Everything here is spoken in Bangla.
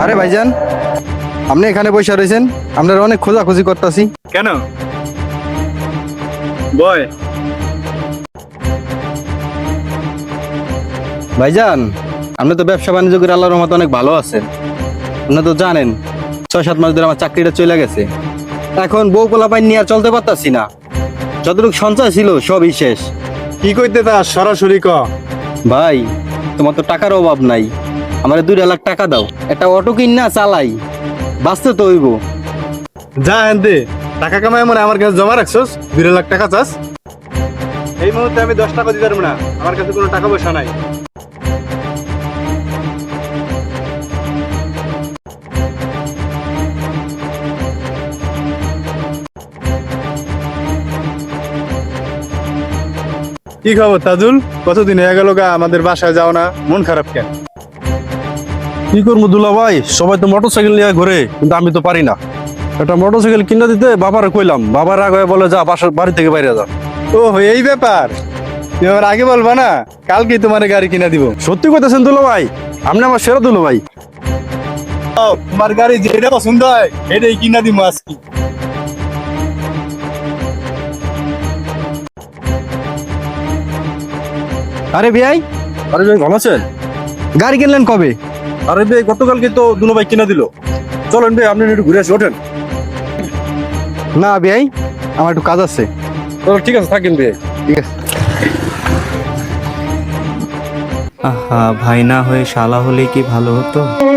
আরে ভাইজান, আপনি এখানে বসে রয়েছেন, আপনারা অনেক খোঁজাখুঁজি করতেছি। কেন বয়? ভাইজান, আপনি তো ব্যবসা বাণিজ্য করে আল্লাহর রহমতে অনেক ভালো আছেন। আপনি তো জানেন 6-7 মাস ধরে আমার চাকরিটা চলে গেছে। এখন বউ পোলাপাইন নিয়ে আর চলতে পারতাছি না। যতটুকু সঞ্চয় ছিল সবই শেষ। কি কইতে তা সরাসরি ক। ভাই, তোমার তো টাকার অভাব নাই, আমার 2 লাখ টাকা দাও, একটা অটো কিন না চালাই, বাঁচতে তো হইব। যা হেনতে টাকা কামাই মনে আমার কাছে জমা রাখছস, 2 লাখ টাকা চাস? এই মুহূর্তে আমি 10 টাকা দিতে পারবো না, আমার কাছে কোনো টাকা পয়সা নাই। কি খবর তাজুল? কতদিন হয়ে গেল গা আমাদের বাসায় যাও না, মন খারাপ কেন? কি করবো দুলা ভাই, সবাই তো মোটরসাইকেল নিয়ে ঘুরে, কিন্তু আমি তো পারি না। একটা মোটরসাইকেল কিনে দিতে বাবারে কইলাম, বাবার আগে বলে যা বাড়ি থেকে বাইরে যা। ও এই ব্যাপার, তুমি আমার আগে বলবা না? কালকেই তোমার গাড়ি কিনা দিব। সত্যি কইতেছেন দুলা ভাই? আপনি আমার সেরা দুলা ভাই। ও, তোমার গাড়ি যেটা পছন্দ হয় এটাই কিনা দিব আজকে। আরে ভাই, আরে ভাই ভালো আছেন? গাড়ি কিনলেন কবে? আরে ভাই গতকালকে তো দুলা ভাই কিনে দিল। চলেন ভাই, আপনি একটু ঘুরে আসি, ওঠেন। না ভাই, আমার একটু কাজ আছে। ঠিক আছে, থাকেন ভাই। ঠিক আছে। আহা, ভাই না হয়ে শালা হলে কি ভালো হতো।